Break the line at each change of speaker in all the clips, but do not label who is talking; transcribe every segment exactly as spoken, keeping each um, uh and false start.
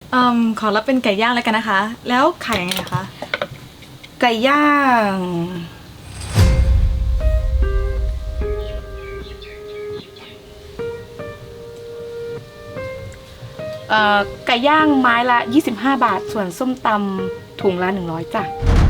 อืมขอรับเป็นไก่ย่างแล้วกันนะคะ แล้วขายยังไงคะ
ไก่ย่างเอ่อไก่ย่างไม้ละยี่สิบห้าบาทส่วนส้มตำถุงละหนึ่งร้อยจ้ะ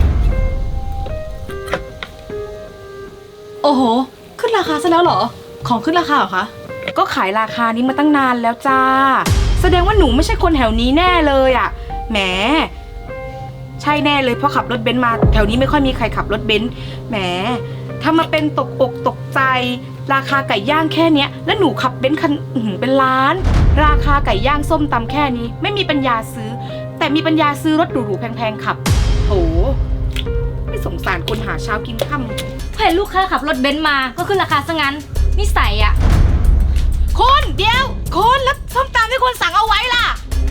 โอ้โหขึ้นราคาซะแล้วเหรอของขึ้นราคาเหรอคะ
ก็ขายราคานี้มาตั้งนานแล้วจ้าแสดงว่าหนูไม่ใช่คนแถวนี้แน่เลยอ่ะแหมใช่แน่เลยเพราะขับรถเบนซ์มาแถวนี้ไม่ค่อยมีใครขับรถเบนซ์แหมถ้ามาเป็นตกอกตกใจราคาไก่ย่างแค่เนี้ยแล้วหนูขับเบนซ์คันเป็นล้านราคาไก่ย่างส้มตำแค่นี้ไม่มีปัญญาซื้อแต่มีปัญญาซื้อรถหรูๆแพงๆขับโหไม่สงสารคนหาเช้ากินค่ำ
เห็นลูกค้าขับรถเบนซ์มาก็ขึ้นราคาซะงั้นนิสัยอ่ะ
คนเดียวคนแล้วส้มตำที่คนสั่งเอาไว้ล่ะ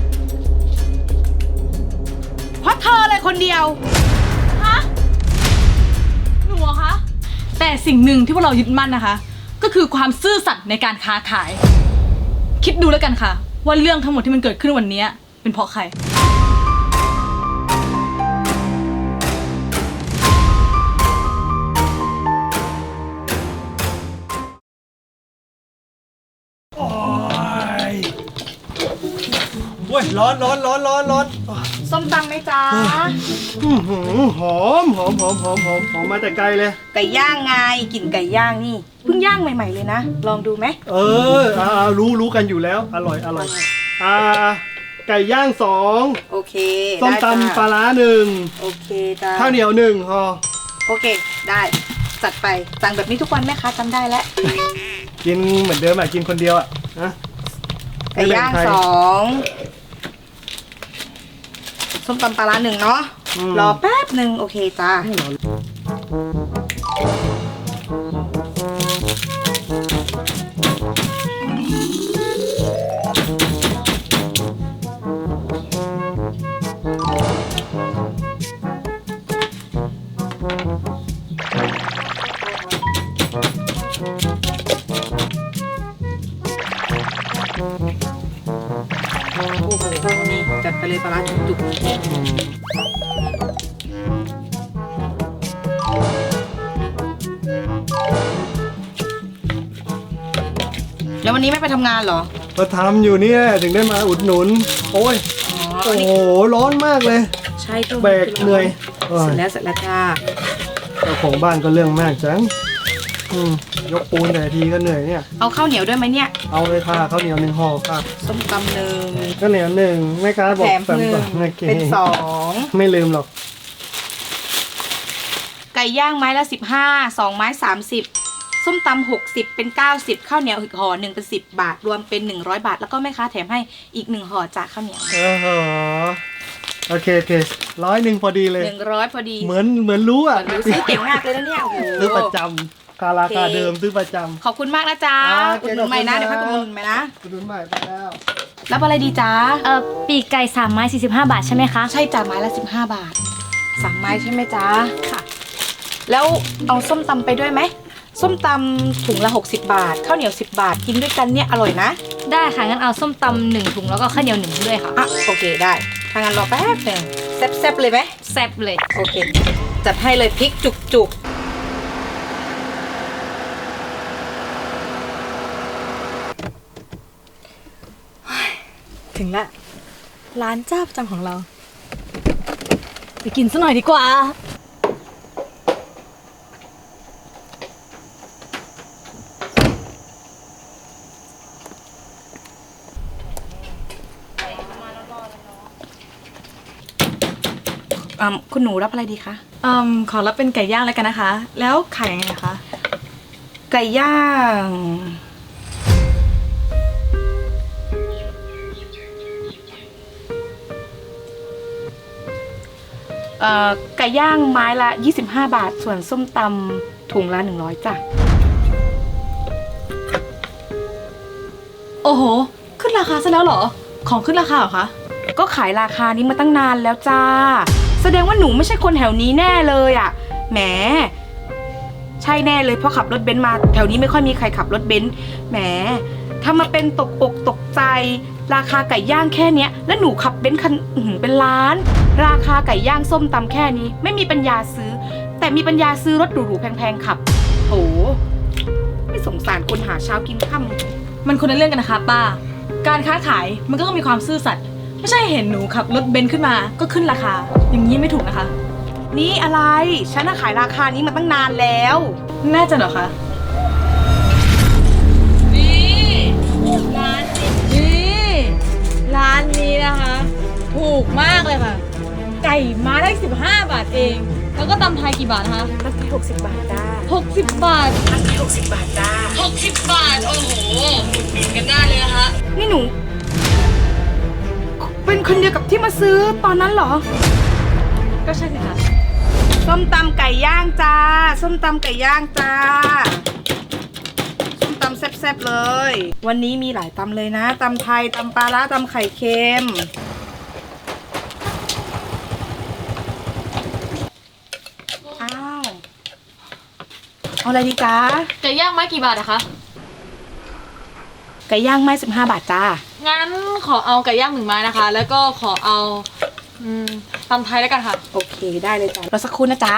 เพราะเธอเลยคนเดียว
ฮะหนูเหรอคะแต่สิ่งหนึ่งที่พวกเรายึดมั่นนะคะก็คือความซื่อสัตย์ในการค้าขายคิดดูแล้วกันค่ะว่าเรื่องทั้งหมดที่มันเกิดขึ้นวันนี้เป็นเพราะใคร
โอ้ยร้อนร้อนร้อนร้อนร้อน
ส้มตำไหมจ๊ะ
อื้อหือหอมหอมหอมหอมหอมหอมมาแต่ไกลเลย
ไก่ย่างไงกลิ่นไก่ย่างนี่เพิ่งย่างใหม่ๆเลยนะลองดูไหม
เอออ่ารู้รู้กันอยู่แล้วอร่อยอร่อยอ่าไก่ย่างสอง
โอเค
ส้มตำปลาร้าหนึ่ง
โอเคจ้า
ข้าวเหนียวหนึ่งพอ
โอเคได้จัดไปสั่งแบบนี้ทุกวันแม่ค้าจำได้แล้ว
กินเหมือนเดิมอ่ะกินคนเดียวอ่ะนะ
ไก่ย่างสองส้มตำปลาร้าหนึ่งเนาะรอแป๊บหนึ่งโอเคจ้าโอ้โหนี่จัดไปเลยปลาร้าจุกๆแล้ววันนี้ไม่ไปทำงานเหรอ
มาทำอยู่เนี่ยถึงได้มาอุดหนุนโอ้ยโอ้โหร้อนมากเลย
ใช่ตัว
แบกเหนื่อย
เสร็จแล้วเสร็จแล้วจ้า
เจ้าของบ้านก็เรื่องมากจังอืมยกปูนแต่ทีก็เหนื่อยเนี่ย
เอาข้าวเหนียวด้วยไหมเนี่ย
เอาเลยค่ะข้าวเหนียวหนึ่งห่อค่ะ
ส้มตำหนึ่ง
ข้าวเหนียวหนึ่งแม่ค้าบอก
แถมหนึ่งเป็นสอง
ไม่ลืมหรอก
ไก่ย่างไม้ละสิบห้าสองไม้สามสิบส้มตำหกสิบเป็นเก้าสิบข้าวเหนียวอีกห่อหนึ่งเป็นสิบบาทรวมเป็นหนึ่งร้อยบาทแล้วก็แม่ค้าแถมให้อีกหนึ่งห่อจากข้าวเหนียว
เออโอเคโอเคร้อยหนึ่งพอดีเลย
หนึ่งร้อยพอดี
เหมือนเหมือนรู้อ่ะ
ซื้อเก่งมากเลยนะเนี่ยโอ้โห
ซื้อประจำราคาเดิมซื้อประจำ
ขอบคุณมากนะจ๊ะอุดหนุนใหม่นะเดี๋ยวพักอุดหนุนใหม่นะ
อุดหนุนใหม่ไปแล้ว
รับอะไรดีจ๊ะ
เออปีกไก่สามไม้สี่สิบห้าบาทใช่ไหมคะ
ใช่จ้ะไม้ละสิบห้าบาทสามไม้ใช่ไหมจ๊ะค่ะแล้วเอาส้มตำไปด้วยไหมส้มตำถุงละหกสิบบาทข้าวเหนียวสิบบาทกินด้วยกันเนี่ยอร่อยนะ
ได้ค่ะงั้นเอาส้มตำหนึ่งถุงแล้วก็ข้าวเหนียวหนึ่งด้วยค่ะ
อ่ะโอเคได้ถ้างั้นรอแป๊บหนึ่งแซ่บๆเลยไหม
แซ่บเลย
โอเคจัดให้เลยพริกจุกๆ
ถึงละร้านเจ้าประจำของเราไปกินซะหน่อยดีกว่า
อ่าคุณหนูรับอะไรดีคะ
อืมขอรับเป็นไก่ย่างแล้วกันนะคะแล้วขายยังไงคะ
ไก่ย่างเอ่อไก่ย่างไม้ละยี่สิบห้าบาทส่วนส้มตำถุงละหนึ่งร้อยจ้ะ
โอ้โหขึ้นราคาซะแล้วเหรอของขึ้นราคาเหรอคะ
ก็ขายราคานี้มาตั้งนานแล้วจ้าแสดงว่าหนูไม่ใช่คนแถวนี้แน่เลยอ่ะแหมใช่แน่เลยเพราะขับรถเบนซ์มาแถวนี้ไม่ค่อยมีใครขับรถเบนซ์แหมถ้ามาเป็นตกอกตกใจราคาไก่ย่างแค่เนี้ยแล้วหนูขับเบนซ์คันอื้อหือเป็นล้าน ราคาไก่ย่างส้มตำแค่นี้ไม่มีปัญญาซื้อ แต่มีปัญญาซื้อรถหรูๆแพงๆขับโหไม่สงสารคนหาเช้ากินค่ำ
มันคนละเรื่องกันนะคะป้า การค้าขายมันก็ต้องมีความซื่อสัตย์ไม่ใช่เห็นหนูขับรถเบนซ์ขึ้นมาก็ขึ้นราคา อย่างนี้ไม่ถูกนะคะ
นี่อะไรฉันน่ะขายราคานี้มาตั้งนานแล้ว
แน่ใจเหรอคะ นี่ร้านนี้ร้านนี้นะคะ ถูกมากเลยค่ะ ไก่มาได้สิบห้าบาทเอง แล้วก็ตำไทยกี่บาทนะคะ
ตั้งแต่หกสิบบาทจ้า
หกสิบบาท
ตั้งแต่หกสิบบาทจ้า
หกสิบบาท โอ้โหอุดหนุนกันได้เลยนะคะ
นี่หนู เป็นคนเดียวกับที่มาซื้อตอนนั้นเหรอ
ก็ใช่สิคะ
ส้มตำไก่ย่างจ้า ส้มตำไก่ย่างจ้า ส้มตำแซ่บๆเลย วันนี้มีหลายตำเลยนะ ตำไทย ตำปลาร้า ตำไข่เค็ม อ้าว เอาอะไรดีจ้า
ไก่ย่างไม้กี่บาทอะคะ
ไก่ย่างไม้สิบห้าบาทจ้า
งั้นขอเอาไก่ย่างหนึ่งไม้นะคะ แล้วก็ขอเอาอืมตำไทยแล้วกันค่ะ
โอเคได้เลยจ้ารอสักครู่นะจ๊ะ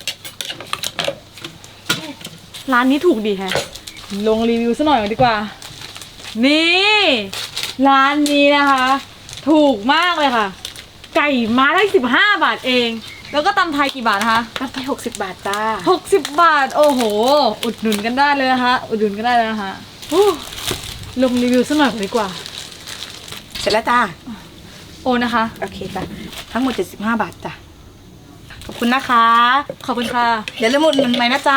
ร้านนี้ถูกดีแฮะ ลงรีวิวซะหน่อยดีกว่า นี่ ร้านนี้นะคะ ถูกมากเลยค่ะ ไก่มาได้สิบห้าบาทเอง แล้วก็ตำไทยกี่บาทนะคะ
ตั้งไปหกสิบบาทจ้า
หกสิบบาท โอ้โห อุดหนุนกันได้เลยนะคะ อุดหนุนกันได้เลยนะคะอู้ลงรีวิวซะหน่อยดีกว่า
เสร็จแล้วจ้า
โอนะคะ
โอเคจ้ะ ทั้งหมดเจ็ดสิบห้าบาทจ้ะ ขอบคุณนะคะ
ขอบคุณค่ะ
เดี๋ยวเริ่มหมดเงินใหม่นะจ๊ะ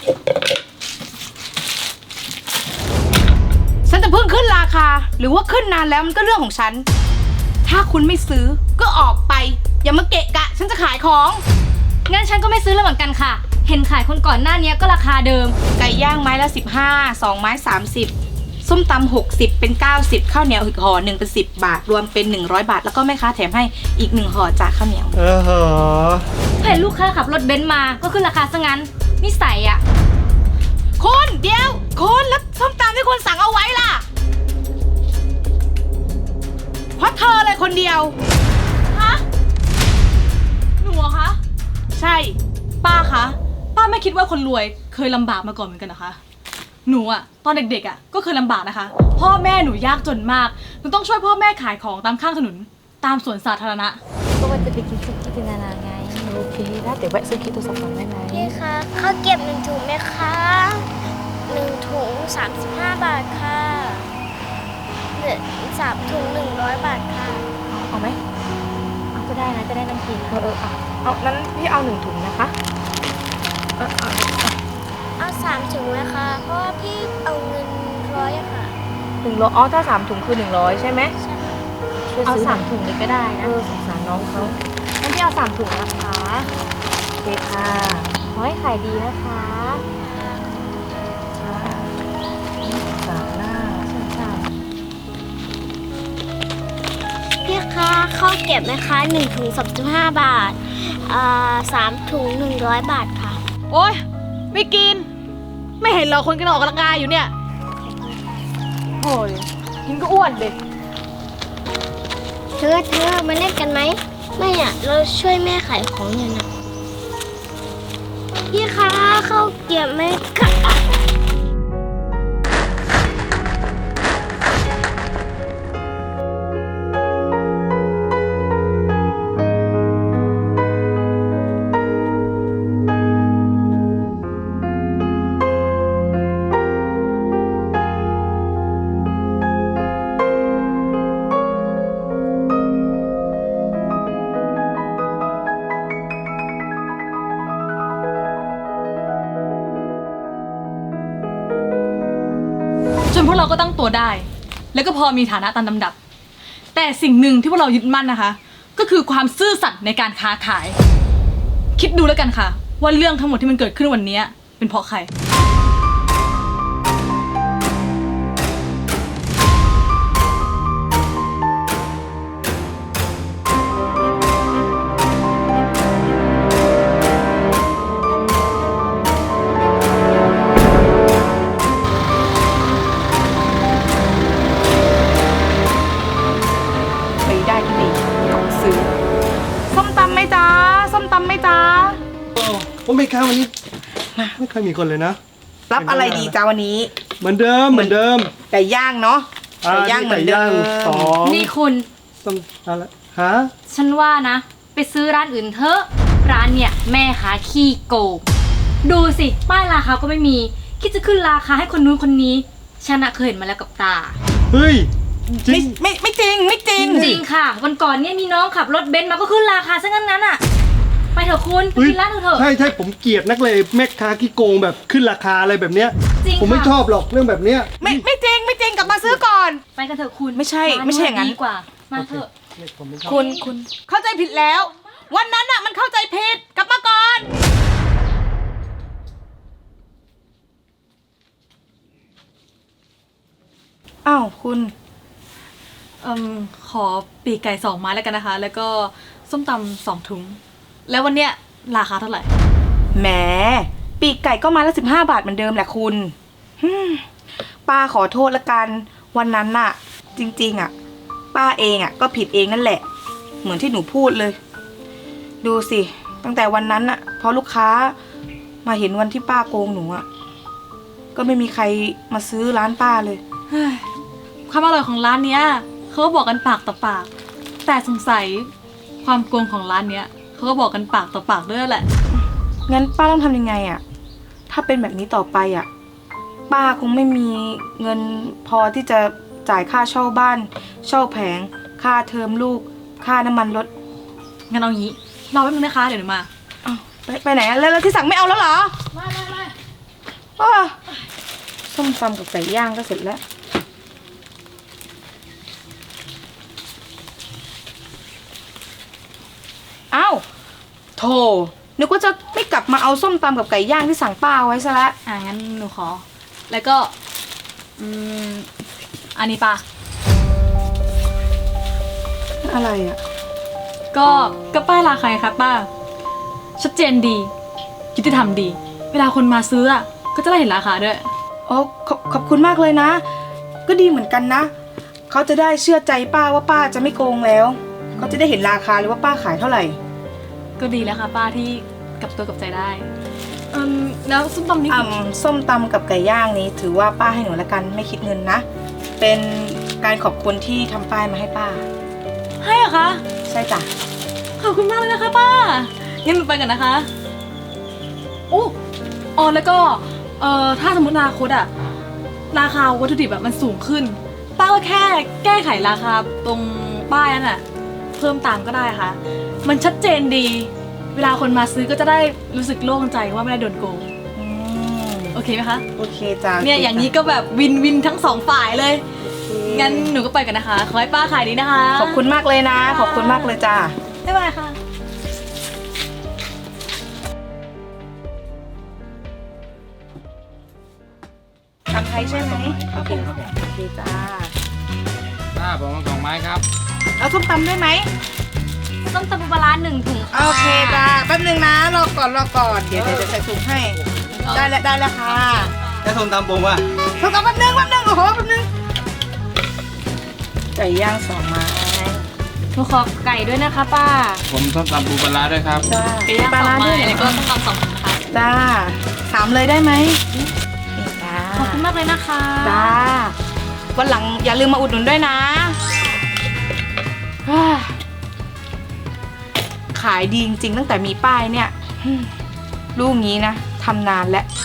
ฉันจะเพิ่งขึ้นราคา หรือว่าขึ้นนานแล้วมันก็เรื่องของฉัน ถ้าคุณไม่ซื้อก็ออกไป อย่ามาเกะกะ ฉันจะขายของ
งั้นฉันก็ไม่ซื้อแล้วเหมือนกันค่ะ เห็นขายคนก่อนหน้านี้ก็ราคาเดิม
ไก่ย่างไม้ละสิบห้า สองไม้สามสิบ ส้มตำหกสิบเป็นเก้าสิบ ข้าวเหนียวอีกห่อหนึ่งเป็นสิบบาท รวมเป็นหนึ่งร้อยบาท แล้วก็แม่ค้าแถมให้อีกหนึ่งห่อจากข้าวเหนียว
เออเหรอ
เห็นลูกค้าขับรถเบนซ์มาก็ขึ้นราคาซะงั้นนิสัยอะ
คุณเดี๋ยวคุณแล้วส้มตำที่คุณสั่งเอาไว้ล่ะ เพราะเธอเลยคนเดียว
ฮะ หนูเหรอคะ
ใช่
ป้าคะ ป้าไม่คิดว่าคนรวยเคยลำบากมาก่อนเหมือนกันนะคะ หนูอะตอนเด็กๆอะก็เคยลำบากนะคะ พ่อแม่หนูยากจนมาก หนูต้องช่วยพ่อแม่ขายของตามข้างถนน ตามสวนสาธารณะ
ก็ว่าจะไปกินสุกี้ที่นานาไง
โอเคได้เดี๋ยวแวะซื้อคิดโทรศัพท์ก่อนได้ไหม
พี่คะข้าวเกรี๊ยวหนึ่งถุงไหมคะหนึ่งถุงสามสิบห้าบาทค่ะเหลือสามถุงหนึ่งร้อยบาทค่ะ
เอาไหม
เอาก็ได้นะจะได้น้ำกิน
เออเออเอาเอานั้นพี่เอาหนึ่งถุงนะคะเออเอา
เอาสามถุงนะคะ เพราะว่าพี่เอาเงินร้อยอะค่ะ
หนึ่งร้อยอ๋อถ้าสามถุงคือหนึ่งร้อยใช่ไหม
ใช่ค่ะ
ช่วย
เอา
ซื้อหน่
สาย มถุงเลยก็ได้
เอ
นะ
อสงสารน้องเขา
งั้นพี่เอาสามถุงนะคะ
โอเคค่ะ
ขอให้ขายดีนะคะ
ค่ะสามหน้า
พี่คะข้าวเกรี๊ยวไหมคะหนึ่งถุงสามสิบห้าบาทอ่าสามถุงหนึ่งร้อยบาทค่ะ
โอ๊ย ไม่กิน ไม่เห็นเราคนกันออกกำลังกายอยู่เนี่ยโอ้ยกินก็อ้วนเด็ก
เธอเธอมาเล่นกันไหมไม่อะเราช่วยแม่ขายของอยู่นะพี่คะข้าวเกรี๊ยวไหมคะ
จนพวกเราก็ตั้งตัวได้ แล้วก็พอมีฐานะตามลำดับ แต่สิ่งหนึ่งที่พวกเรายึดมั่นนะคะ ก็คือความซื่อสัตย์ในการค้าขาย คิดดูแล้วกันค่ะ ว่าเรื่องทั้งหมดที่มันเกิดขึ้นวันนี้เป็นเพราะใคร
ตำไหมจ๊ะ
โอ้โอ้ไม่ค้าวันนี้ไม่ค่อยมีคนเลยนะ
รับอะไรดีจ้าวันนี้
เหมือนเดิมเหมือนเดิม
ไก่ย่างเนาะ
อ่า
ไก่ย่างเหมือน
ไก่
เดิ
ย่าง
ม
สอง
นี่คุณ
ต้องอะไรฮะ
ฉันว่านะ ไปซื้อร้านอื่นเถอะ ร้านเนี่ยแม่ค้าขี้โกง ดูสิป้ายราคาก็ไม่มี คิดจะขึ้นราคาให้คนนู้นคนนี้ ฉันน่ะเคยเห็นมาแล้วกับตา
เฮ้ยจริ
ไม่
ง
ไม่ไม่จริงไม่จริง
จริงค่ะ วันก่อนเนี่ยมีน้องขับรถเบนซ์มาก็ขึ้นราคาซะงั้นนั้นอ่ะ ไปเถอะคุณไป
เฮ้ย
กินร้านอื่นเถอะ
ใช่ใช่ผมเกลียดนักเลยแม่ค้าขี้โกงแบบขึ้นราคาอะไรแบบเนี้ย
จริง
ผมไม่
ค่ะ
ชอบหรอกเรื่องแบบเนี้ย
ไม่ไม่จริงไม่จริงกลับมาซื้อก่อน
ไปกันเถอะคุณ
ไม่ใช่
ร้
ไม่ใช่อย่างนั้น
ดีกว่า มาเถอะ
ผมไม่ชอบ
คุณคุณเข้าใจผิดแล้ว วันนั้นอะมันเข้าใจผิดกลับมาก่อน อ้าวคุณ
เอ่มขอปีกไก่สองไม้แล้วกันนะคะ แล้วก็ส้มตำสองถุง แล้ววันเนี้ยราคาเท่าไหร่
แหมปีกไก่ก็มาละสิบห้าบาทเหมือนเดิมแหละคุณฮึ่มป้าขอโทษละกัน วันนั้นน่ะ จริงๆอ่ะ ป้าเองอ่ะก็ผิดเองนั่นแหละ เหมือนที่หนูพูดเลย ดูสิ ตั้งแต่วันนั้นอ่ะพอลูกค้ามาเห็นวันที่ป้าโกงหนูอ่ะก็ไม่มีใครมาซื้อร้านป้าเลย
เฮ้ยความอร่อยของร้านเนี้ยเขาก็บอกกันปากต่อปาก แต่สงสัยความโกงของร้านเนี้ยเขาก็บอกกันปากต่อปากด้วยแหละ
งั้นป้าต้องทำยังไงอ่ะ ถ้าเป็นแบบนี้ต่อไปอ่ะ ป้าคงไม่มีเงินพอที่จะจ่ายค่าเช่าบ้าน เช่าแผง ค่าเทอมลูก ค่าน้ำมันรถ
งั้นเอางี้รอแป๊บนึงนะคะเดี๋ยวหนูมา
อ้าวไปไปไหนอะแล้วแล้วที่สั่งไม่เอาแล้วเหรอ
ไม่ไม่ไม่
อ้าส้มตำกับไก่ย่างก็เสร็จแล้ว อ้าวโธ่นึกว่าจะไม่กลับมาเอาส้มตำกับไก่ย่างที่สั่งป้าเอาไว้ซะละ
อ่ะงั้นหนูขอ แล้วก็ อืม อันนี้ปะ
อะไรอ่ะ
ก็ก็ป้ายราคาไงครับป้า ชัดเจนดียุติธรรมดี เวลาคนมาซื้ออ่ะก็จะได้เห็นราคาด้วย
อ๋อขอบขอบคุณมากเลยนะ ก็ดีเหมือนกันนะ เขาจะได้เชื่อใจป้าว่าป้าจะไม่โกงแล้ว เขาจะได้เห็นราคาเลยว่าป้าขายเท่าไหร่
ก็ดีแล้วค่ะป้าที่กลับตัวกลับใจได้อืมแล้วส้มตำนี่
อ่ำส้มตำกับไก่ย่างนี้ถือว่าป้าให้หนูละกันไม่คิดเงินนะ เป็นการขอบคุณที่ทำป้ายมาให้ป้า
ให้เหรอคะ
ใช่จ้ะ
ขอบคุณมากเลยนะคะป้า งั้นหนูไปกันนะคะอู้อ๋อแล้วก็เอ่อถ้าสมมติอนาคตอะราคาวัตถุดิบแบบมันสูงขึ้น ป้าก็แค่แก้ไขราคาตรงป้ายนั่นอะเพิ่มตามก็ได้ค่ะ มันชัดเจนดี เวลาคนมาซื้อก็จะได้รู้สึกโล่งใจว่าไม่ได้โดนโกง
อืม
โอเคไหมคะ
โอเคจ้ะ
เนี่ยอย่างนี้ก็แบบวินวินทั้งสองฝ่ายเลย
โอเค
งั้นหนูก็ไปกันนะคะ ขอให้ป้าขายดีนะคะ
ขอบคุณมากเลยนะ ขอบคุณมากเลยจ้ะ
บ๊ายบายค่ะ
ทำไทยใช่ไหมโอเคโอเคจ้า
ป้าผมเอาสองไม้ครับ
เอาส้มตำด้วยไหม
ส้มตำปูปลาร้าหนึ่งถุงค่ะ
โอเคจ้าแป๊บนึงนะรอก่อนรอก่อนเดี๋ยวเดี๋ยวจะใส่ถุงให้ ได้แล้วได้แล้วค่ะ
แล้วส้มตำผมอ่ะ
ส้มตำแป๊บนึงแป๊บนึงโอ้โหแป๊บนึงไก่ย่างสองไม้
หนูขอไก่ด้วยนะคะป้า
ผมส้มตำปูปลาร้าด้วยครับ
จ้า
ไก่ย่างสองไม้
ด้วยเหร
แล้วก็ส้มตำสองถุงนะคะ
จ้าสามเลยได้ไหมนี่จ้า
ขอบคุณมากเลยนะคะ
จ้าวันหลังอย่าลืมมาอุดหนุนด้วยนะฮ่าขายดีจริงๆตั้งแต่มีป้ายเนี่ยอืมลูกนี้นะทำนานแล้ว